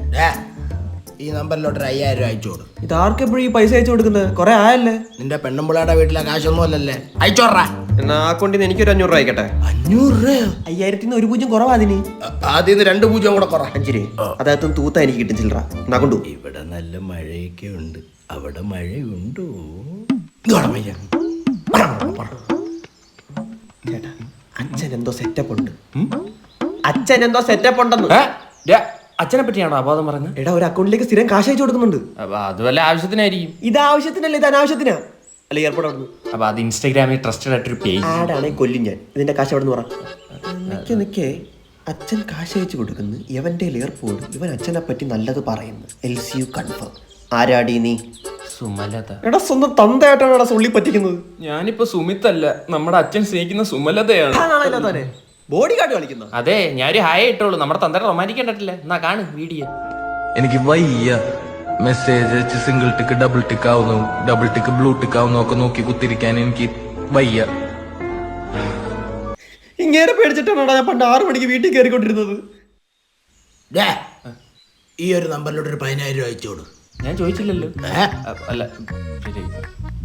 ഈ നമ്പറിലോട്ട് 5000 രൂപ അയച്ചു കൊടു. ഇത് ആർക്കെപ്പോഴും ഈ പൈസ അയച്ചു കൊടുക്കുന്നത്? കുറെ ആയല്ലേ? നിന്റെ പെണ്ണുമ്പിളയുടെ വീട്ടിലെ കാശൊന്നും അല്ലല്ലേ, അയച്ചോട്രാ. എന്നാ ആ അക്കൗണ്ടിൽ നിന്ന് എനിക്കൊരു 500 രൂപ അയക്കട്ടെ. 500 രൂപയോ? 5000 1 പൂജ്യം കുറവാ അതിന്. ആദ്യം 2 പൂജ്യം കൂടെ കുറ. 5 രൂപ അതായത് തൂത്ത എനിക്ക് കിട്ടും ചില്ലറ. എന്നാ കൊണ്ടു. ഇവിടെ നല്ല മഴയൊക്കെ ഉണ്ട്, അവിടെ മഴയുണ്ടോ? ചേട്ടാ അച്ഛൻ എന്തോ സെറ്റപ്പ് ഉണ്ട്. അച്ഛൻ എന്തോ സെറ്റപ്പ് ഉണ്ടെന്ന്. അച്ഛനെ പറ്റിയാണോ അബോധം പറഞ്ഞത്? എടാ ഒരു അക്കൗണ്ടിലേക്ക് സ്ഥിരം കാശ് അയച്ചു കൊടുക്കുന്നുണ്ട്. അപ്പൊ അത് വല്ല ആവശ്യത്തിനായിരിക്കും. ഇത് ആവശ്യത്തിനല്ല, ഇത് അനാവശ്യത്തിനാ. അല്ല എയർപോർട്ട് അവിടെ നിന്ന് അപ്പൊ അത് ഇൻസ്റ്റാഗ്രാമിൽ ട്രസ്റ്റഡ് ആയിട്ടൊരു പേജ് ആടാണെങ്കിൽ കൊല്ലും ഞാൻ. ഇതിന്റെ കാശ് അവിടെ നിന്ന് പറ. നിക്കേ അച്ഛൻ കാശ് അയച്ചു കൊടുക്കുന്നു, ഇവന്റെ എയർപോർട്ട്, ഇവൻ അച്ഛനെ പറ്റി നല്ലത് പറയുന്നു. LCU confirm. ആരാടി നീ? സുമലത. എടാ സ്വന്തം തന്തയായിട്ടാണ് എടാ സുള്ളി പറ്റിക്കുന്നത്. ഞാനിപ്പോ സുമിത്തല്ല, നമ്മുടെ അച്ഛൻ സ്നേഹിക്കുന്ന സുമലതയാണ്. ബോഡി ഗാർഡ് കളിക്കുന്ന. അതെ, ഞാനൊരു ഹായ് ഇട്ടോളൂ. നമ്മുടെ തന്തയുടെ റൊമാൻറ്റിക് കണ്ടിട്ടില്ല. എന്നാ കാണു വീഡിയോ. എനിക്ക് വയ്യ മെസ്സേജ് അയച്ച് സിംഗിൾ ടിക്ക് ഡബിൾ ടിക്ക് ആവുന്നു, ഡബിൾ ടിക്ക് ബ്ലൂ ടിക്ക് ആവുന്നു ഒക്കെ നോക്കി കുത്തിരിക്കാൻ എനിക്ക് വയ്യ. ഇങ്ങനെ പേടിച്ചിട്ടാണ് ഞാൻ പണ്ട് 6 മണിക്ക് വീട്ടിൽ കയറിക്കൊണ്ടിരുന്നത്. ഈ ഒരു നമ്പറിലോട്ട് 10000 രൂപ അയച്ചു കൊടു. ഞാൻ ചോദിച്ചില്ലല്ലോ. അല്ല ശരി.